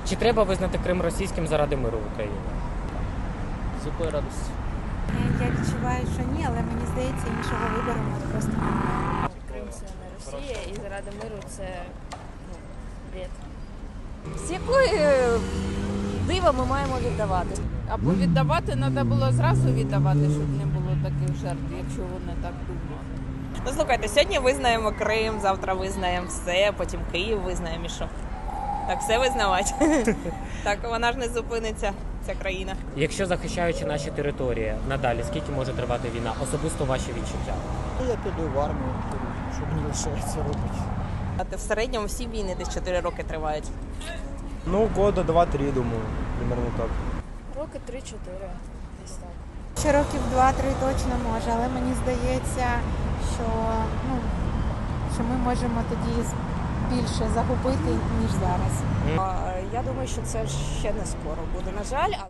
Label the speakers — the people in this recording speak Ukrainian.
Speaker 1: Чи треба визнати Крим російським заради миру в Україні?
Speaker 2: З якої радості?
Speaker 3: Я відчуваю, що ні, але мені здається, іншого вибору просто немає.
Speaker 4: Крим це не Росія і заради миру це бред.
Speaker 5: З якої дива ми маємо віддавати?
Speaker 6: Або віддавати треба було зразу віддавати, щоб не було таких жертв, якщо вони так думали.
Speaker 7: Ну, слухайте, сьогодні визнаємо Крим, завтра визнаємо все, потім Київ визнаємо і що? Так все визнавати. Так вона ж не зупиниться, ця країна.
Speaker 1: Якщо захищаючи наші території, надалі скільки може тривати війна? Особисто ваші відчуття?
Speaker 2: Я піду в армію, що мені лишається робити.
Speaker 7: А в середньому всі війни десь 4 роки тривають.
Speaker 8: Ну, года 2-3, думаю, примерно так.
Speaker 4: Роки 3-4, десь так.
Speaker 3: Ще років 2-3 точно може, але мені здається, що ми можемо тоді більше загубити, ніж зараз.
Speaker 5: Я думаю, що це ще не скоро буде, на жаль.